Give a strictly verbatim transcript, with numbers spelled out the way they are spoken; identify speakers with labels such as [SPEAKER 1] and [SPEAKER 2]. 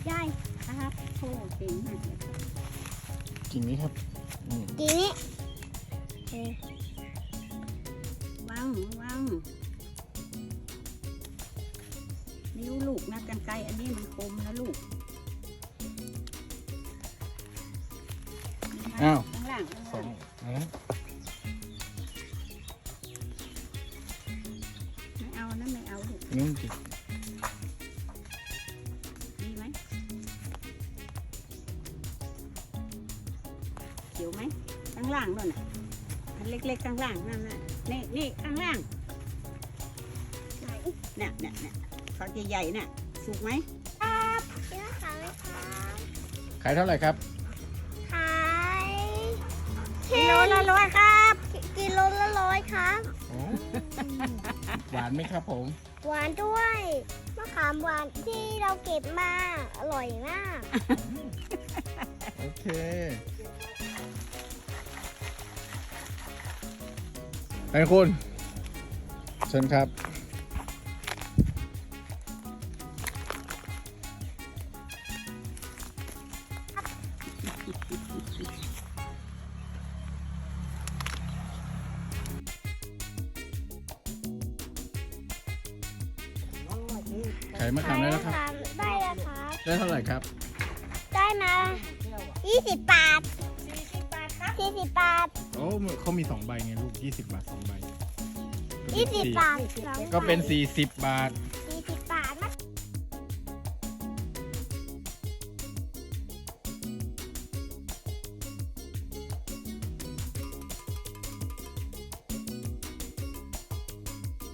[SPEAKER 1] ยายครับโอ้เก่งมากเลย
[SPEAKER 2] กิ่งนี้ครับอืม
[SPEAKER 3] ทีนี้
[SPEAKER 1] วางวางนิ้วลูกนะกันไกรอันนี้มันคมนะลูก
[SPEAKER 2] อ้าว
[SPEAKER 1] ข้างล่างข้าง
[SPEAKER 2] สอ
[SPEAKER 1] ล่าง ง
[SPEAKER 2] นะ
[SPEAKER 1] ไม่เอานะไม่เอาลูก
[SPEAKER 2] นิ้วจิก
[SPEAKER 1] ดีไหมเขียวไหมข้างล่างนั่นน่ะอันเล็กๆข้างล่างนั่นน่ะนี่นี่ข้างล่างเนี่ยเนี่ยเนี่ยฝักใหญ่ๆเนี่ยสุกไหม
[SPEAKER 3] ครับเชื่อเขาไหมครับ
[SPEAKER 2] ขายเท่าไหร่ครับ
[SPEAKER 3] ขาย
[SPEAKER 1] กิโลละร้อยครับ
[SPEAKER 3] กิโลละร้อยครับ
[SPEAKER 2] โอ้หวานไหมครับผม
[SPEAKER 3] หวานด้วยมะขามหวานที่เราเก็บมาอร่อยมาก
[SPEAKER 2] โอเคไอ้คุณเชิญครับขายมะขามได้แล้วครับ
[SPEAKER 3] ได้แล้วครับ
[SPEAKER 2] ได้เท่าไหร่ครับ
[SPEAKER 3] ได้มายี่สิบบาทสี่สิบบาท
[SPEAKER 2] โอ้เขามีสองใบไงลูกยี่สิบบาทสองใบ
[SPEAKER 3] ยี่สิบบาทสอง
[SPEAKER 2] ก็เป็น
[SPEAKER 3] ใบ
[SPEAKER 2] สี่สิบบาท